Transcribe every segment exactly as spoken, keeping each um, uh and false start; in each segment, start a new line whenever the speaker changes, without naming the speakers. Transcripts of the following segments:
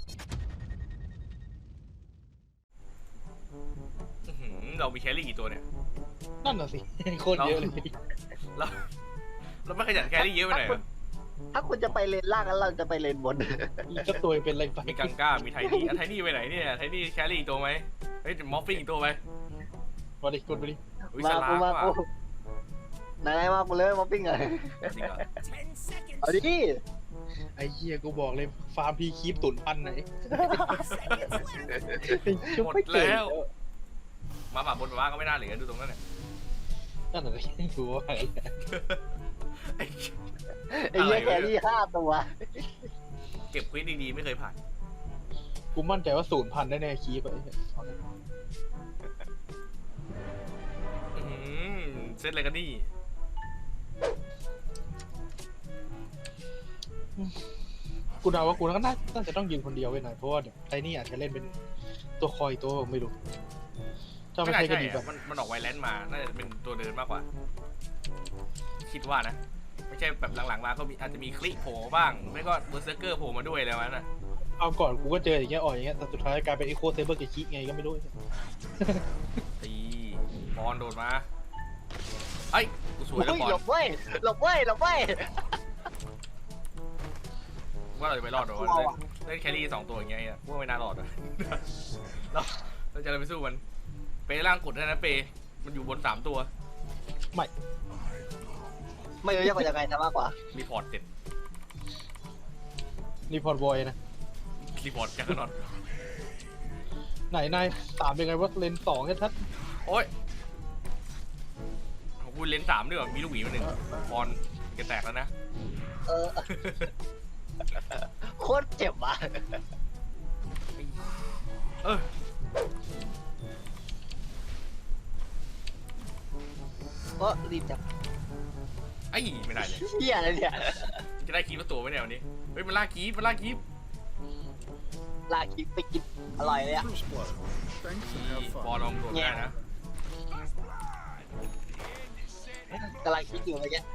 เรามีแครี่กี่ตัวเนี่ย
นั่นน่ะสิโคตรเยอะเลย
เราเราไม่ขยันแครี่เยอะไปไหนอ่ะ
ถ้าคุณจะไปเลนล่างแล้วเราจะไปเลนบน
อีกก็ตัวเป็นอะไรไป
มีกังก้ามีไทนี่ไทนี่ไปไหนเนี่ยไทนี่แครี่อีกตัวไหมเฮ้ยมอฟฟิ้งอีกตัวไหม
มาดิกดไปดิ
มาปูมาปูไหนๆมาปูเลยมาปิ้งเลยเอาดิ
ไอ้เหี้ยกูบอกเลยฟาร์มพีคีปตุ่นพันไหน
หมดแล้วมาหมาบนมาก็ไม่น่าเหลือดูตรงนั้นเนี่ย
นั่นอะไรกูว่าอะไร
ไอ้เหี้ยแครี่ห้าตัว
เก็บควิสดีๆไม่เคยผ่าน
กูมั่นใจว่าศูนย์พันได้แน่คีปไป
เซตอะไรกันนี่
กูเดาว่ากูน่าน่าจะต้องยืนคนเดียวไว้หน่อยเพราะว่าไอ้นี่อาจจะเล่นเป็นตัวคอยตัวไม่รู้ถ้าไม่ใช่ก็ดีแบบ
มันมันออกไวแลนด์มาน่าจะเป็นตัวเดินมากกว่าคิดว่านะไม่ใช่แบบหลังๆมาก็มีอาจจะมีคลิปโผล่บ้างไม่ก็เบอร์เซอร์เกอร์โผล่มาด้วยแล้วนะ
เอาก่อนกูก็เจออย่างเงี้ยอ่อยอย่างเงี้ยแต่สุดท้ายกลายเป็นอีโคเซเบอร์กับคิไงก็ไม่รู้
ตีบอลโดดมาไอ้กูสวยแล้วบอล
หลบเว้ยหลบเว้ยหลบเว้ย
ว่าเราจะไปรอดหรอเล่นแครี่สองตัวอย่างเงี้ยว่าไม่น่ารอดเลยเราเราจะไปสู้มันเปล่างกดได้นะเปมันอยู่บนสามตัว
ไม่
ไม่รู้จะไปยังไงจะมากกว่า
รีพอร์ตเสร็จ
รีพอร์ตบอยนะ
รีพอร์ตจักรนอต
ไหนนายสามเป็นไงว่าเลนสองแค่ทัด
โอ้ยกูเลนสามด้วยมีลูกหวีมาหนึ่งบอลจะแตกแล้วนะ
เออโคตรเจ็บว่ะ
เออ
ก็รีบจับ
ไอ้ไม่ได้เลย
เฮียอะไรเนี่ย
จะได้คีบตัวไหมเนี่ยวันนี้เฮ้ยมันล่าคีบมันล่าคีบ
ลาคีบไปกินอร่อยเลยอ่ะ
บอลลองโดดได้นะ
กำลังคิดอยู่เมื่อกี้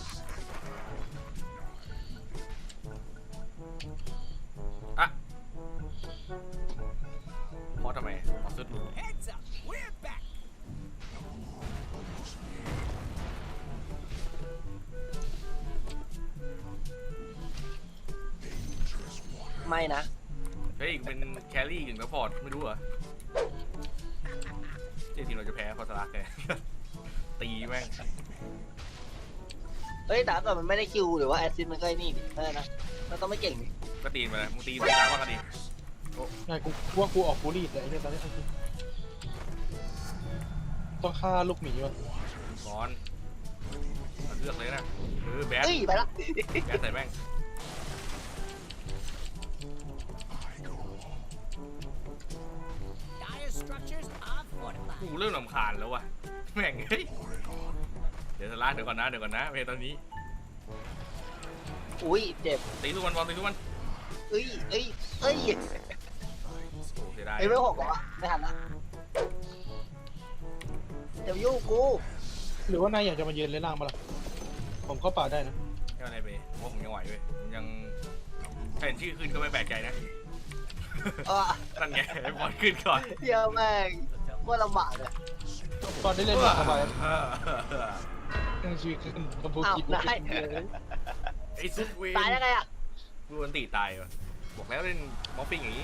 อะพอทำไมพอสุดหลุด
ไม่นะ
เฮ้ยเป็นแครี่ถึงแล้วพอร์ตไม่รู้เหรอเจ๊ทีมเราจะแพ้พอสลักเลยตีแม่ง
เฮ้ยแต่ก่อนมันไม่ได้คิวหรือว่าแอซิดมันก็ไอ้นี่ดิไม่นะมันต้องไม่เก่งดิ
ก็ตีมาเลยมึงตีตีล้างว่ากันดิ
ไงกูว่ากูออกฟูรี่แต่ไอ้เนี่ยตอนนี้ต้องฆ่าลูกหมีวะ
บอลเลือกเลยนะเออแบท
ไปละ
แบทใส่แม่งกูเริ่มรำคาญแล้ววะแม่งเฮ้ยเดี๋ยวสลากเดี๋ยวก่อนนะเดี๋ยวก่อนนะเพลตอนนี้
อุ้ยเจ็บ
ตีทุกวันบอลตีทุกวัน
เอ้ยเอ้ยเอ้ย
โอ้เสียดาย
ไอ้ไม่หกหรอไม่ทันละเดี๋ยวยุ่งกู
หรือว่านายอยากจะมายืนเล่นล่างมาล่ะผมเข้าป่าได้นะ
ไม่อะไรไปว่าผมยังไหวด้วยยังเห็นชื่อขึ้นก็ไม่แปลกใจนะนั่นไงบอลขึ้นก่อน
เดี๋ยวแม่งว่าลำบากเลย
ตอนนี้เล่นมาสบายยังชีขึ้นกระพุ้งกิน
ได้
ไอ้ซุปเวน
ตายได้ไงอ่ะ
ดูอันตีตายวะบอกแล้วเล่นมอฟฟิ้งอย่างนี้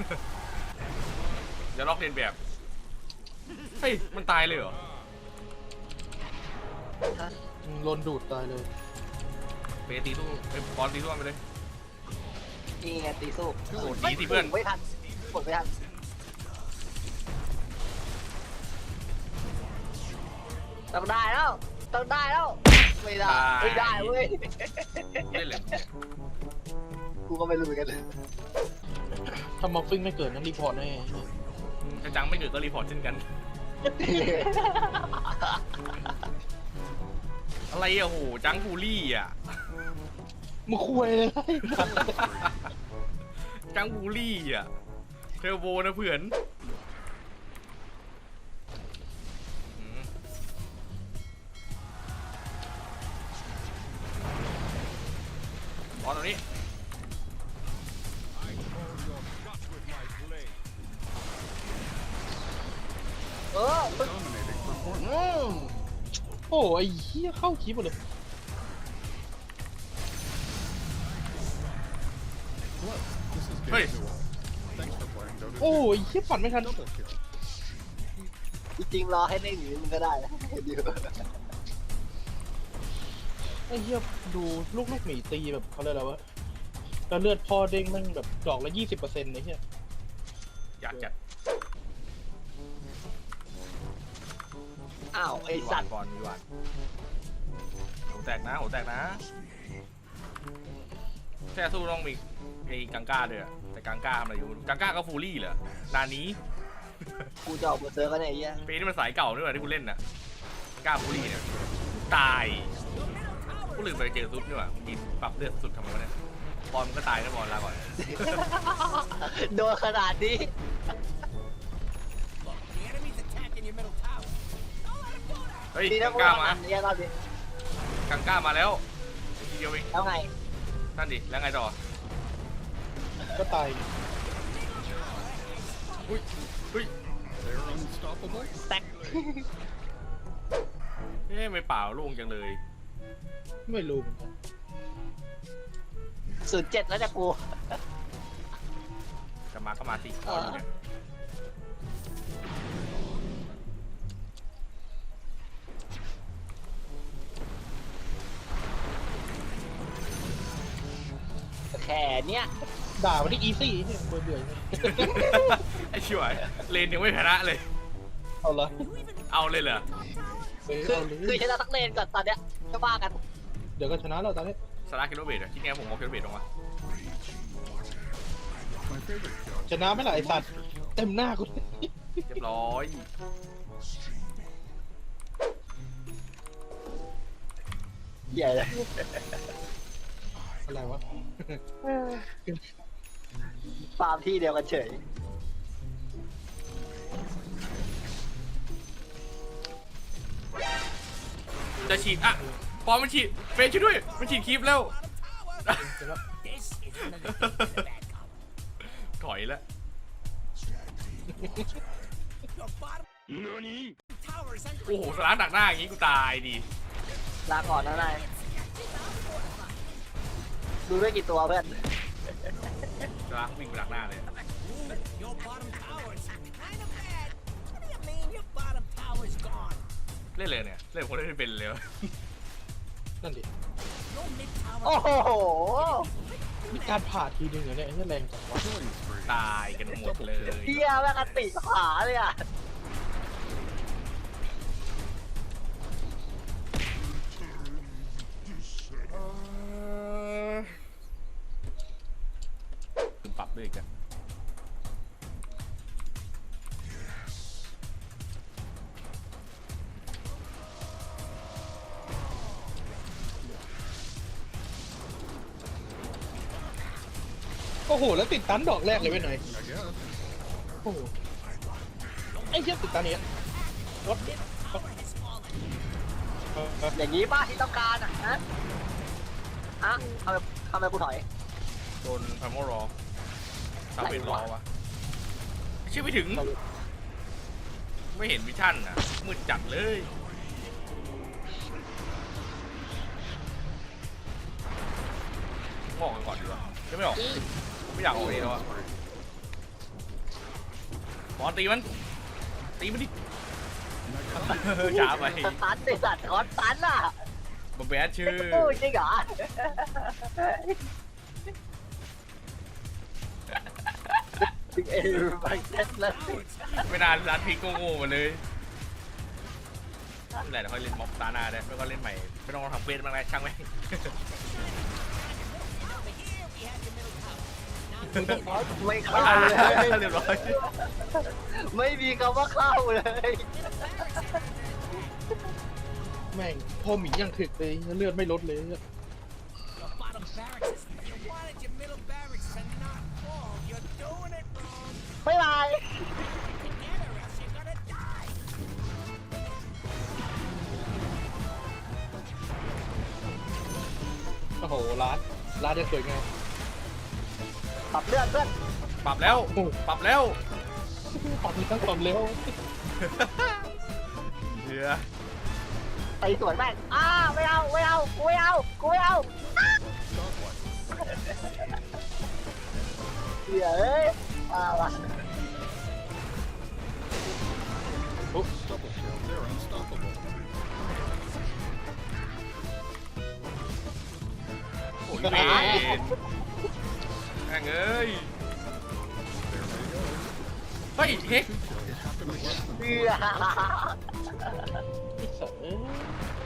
จะล็อกเล่นแบบเฮ้ยมันตายเลยเหรอ
โดนดูดตายเลย
เปตีตู้เอ้บอลตีตู้ไปเลย
นี่ไงตีสู้
โอ้ดีสิเพื่อน
ไม่ทันกดไม่ทันต้องได้แล้วต้องได้แล้วไม่ได้ไม่ได้เว้ย
เล่นเลย
กูก็ไม่รู้เหมือนกัน
ถ้ามอฟฟิ้งไม่เกิดนั้นรีพอร์ตแน่
ถ้าจังไม่เกิดก็รีพอร์ตเช่นกันอะไรอะโหจังฟูลี่อะ
มึงคุยเลย
จังฟูลี่อะเทอร์โบนะเพื่อนบอลตรงนี้
อืมโอ้ไอ้เหี้ยเข้าคลิปหมดเลย
เฮ้ย
โอ้ยเหี้ยปั่นไม่ทัน
จริงๆรอให้เล่นอย่างนี้มันก็ได้นะเดี๋ยว
ไอ้เหี้ยดูลูกลูกหมีตีแบบเขาเรียกอะไรวะแล้วเลือดพ่อเด้งแมันแบบดอกละยี่สิบเปอร์เซ็นต์เลยเหี้ย
อยากจัด
อ้าวไอ
มีห
สั
วา
ต
น
ว์
ก่อนมีหวานหัวแตกนะหัวแตกนะแค่สู้ต้องมีไอ้กังก้าด้วยอะแต่กังก้าทำอะไรอยู่กังก้าก็ฟูรี่เหรอนานี้
กูจะออกมาเซิร์ฟกันเนี่ยไอ้เหี้ย
ปีนี้มันสายเก่าด้วยที่กูเล่นน่ะก้าฟูรี่เนี่ยตายกูลืมไปเจอซุปนี่หว่ามีปรับเลือดสุดทำไมวะเนี่ยบอลมันก็ตายนะบอลลาก่อน
โดนขนาดนี้
เฮ้ย
ดีนะ
กัง
กู
ก้า
ทำ
มา
อันนี้รอบนี้
กังก้ามาแล้วทีเดียวเอง
แล้วไง
นั่นดิแล้วไงต่อ
ก็ตาย
อุ้ยอุ้ย
แตก
เอ๊ะไม่เปล่าโล่งจังเลย
ไม่รู้เหมือนกัน
ศูนย์เจ็ดแล้วจะกู
จะมาก็มาสิบอลอยู่เนี่ย
แค่เนี้ย
ด่ามันที่อีซี่เนี่ยเบื่อเบื่อเนี่ย
ไอ้ช่วยเลนยังไม่ชนะเลย
เอาละ
เอาเลยเหรอ
เฮ้ย
คือ
เอาเล
คือย ชนะทั้งเลนก่อนตอนเนี้ยก็ว่ากัน
เดี๋ยวก็ชนะแล้วตอนนี้
สาระคิโลเบตอะที่แง่ผมเอาคิโลเบตลงมา
ชนะไหม่ล่ะไอสัตว์เต็มหน้ากู
เรียบร้อย
ใหญ่เลย
อะไรวะ
ฟาร์มที่เดียวกันเฉย
จะฉีดอ่ะปอมมันฉีดเฟซช่วยด้วยมันฉีดคลิปแล้วถอยแล้วโอ้โหสาระดักหน้าอย่างงี้กูตายดิ
ลาก่อนนะนายดูด้วยกี่ตัวเพื่อน
สาระวิ่งไปดักหน้าเลย เล่นเลยเนี่ยเล่นคนเล่นไม่เป็นเลยวะ
นั่นดิ
โอ้โห
มีการผ่าทีนึงเหรอเนี่ยไอ้เนี่ยแรงจังวะ
ตายกันหมดเลย
เฮียแม่งอติขาเลยอ่ะ
ถึงปรับด้วยกัน
โอ้โหแล้วติดตันดอกแรกเลยไปหน่อยโอ้โหไอ้เหี้ยติดตันเนี้ยรถ
อย่างนี้ป้าที่ต้องการอ่ะนะอ่ะทำไมทำไมกูถอย
โดนพามรอซาเวนรอวะชื่อไม่ถึง ไม่เห็นวิชั่นอ่ะมืดจัดเลยงอกกันก่อนดีกว่าจะไม่ออกไม่อยากออกเองแล้วอะบอลตีมันตีมันดิช้าไป
สตันไอสัตว์คอนตันอ่ะ
บอมแบดชื่อ
โอ้ยจริงเหรอจริงเออไปเซ็ตเลย
ไม่นานร้านพีกโง่ๆมาเลยไม่เป็นไรเดี๋ยวค่อยเล่นม็อบตาหน้าได้ไม่ก็เล่นใหม่ไม่ต้องทำเวทบ้างนะช่างไหม
ไม่เข้าเลย
เรียบร้อย
ไม่มีคำว่าเข้าเลย
แม่งพ่อหมียังถึกเลยเลือดไม่ลดเลย
ไม่ไร
โอ้โหร้านร้านจะสวยไง
ปรับเลือดเพื่อน
ปรับแล้วปรับแล้ว
ปรับเลยตั้งความเร็ว
รือ
ไปสวนแม่งอ้าไม่เอาไม่เอากูไม่เอากูไม่เอาเดี๋ยวเอ้ยมาว่ะ
โอ้ยเวรแม่งเอ้ยเฮ้ยเฮก
เดี๋ยว
ไอ้สัตว์เอ้ย